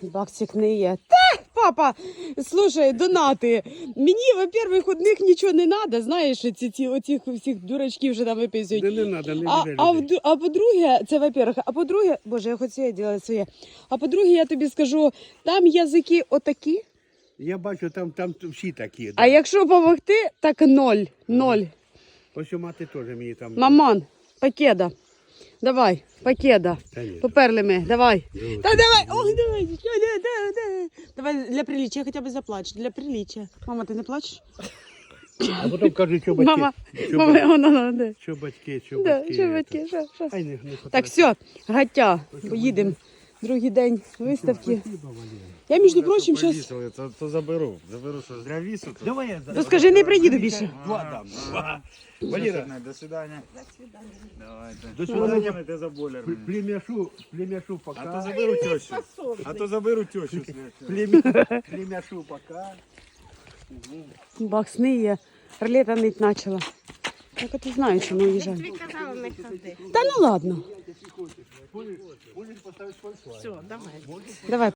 Баксик не є. Та, папа, слушай, донати. Мені, во-первых, одних нічого не треба, знаєш, оцих всіх дурачків вже там виписують. Не треба, не А по-друге, це во-первых, а по-друге, боже, я хочу це робити своє. А по-друге, я тобі скажу, там язики отакі, Я бачу, там всі такі. Да. а якщо допомогти, так ноль. Ось у мати теж мені там. Маман, покеда. Давай, покеда. Та ні. Поперли ми, давай. Ну, Та давай, ой, давай. Давай для приличия хоча б заплач, для приличия. Мама, ти не плачеш? А потім кажуть, що батьки. Мама, Що батьки, що да, батьки. що батьки, що? Ай, не Так, все, гаття, поїдемо. Другий день виставки. Я, між прочим, зараз... То заберу, що зря вісу. Давай я Ну скажи, не приїду більше. Два дам. Валера, до свидання. Давайте. До свидання. Ти за бойлер. Племяшу А то пока. заберу тещу. А то заберу тещу. Племяшу пока. Бакс не є. Ролета нить почала. Так от і знаю, чому уїжджаю. Казала, не ходи. Та ну ладно. Можеш поставити фольфа. Все, давай. Давай.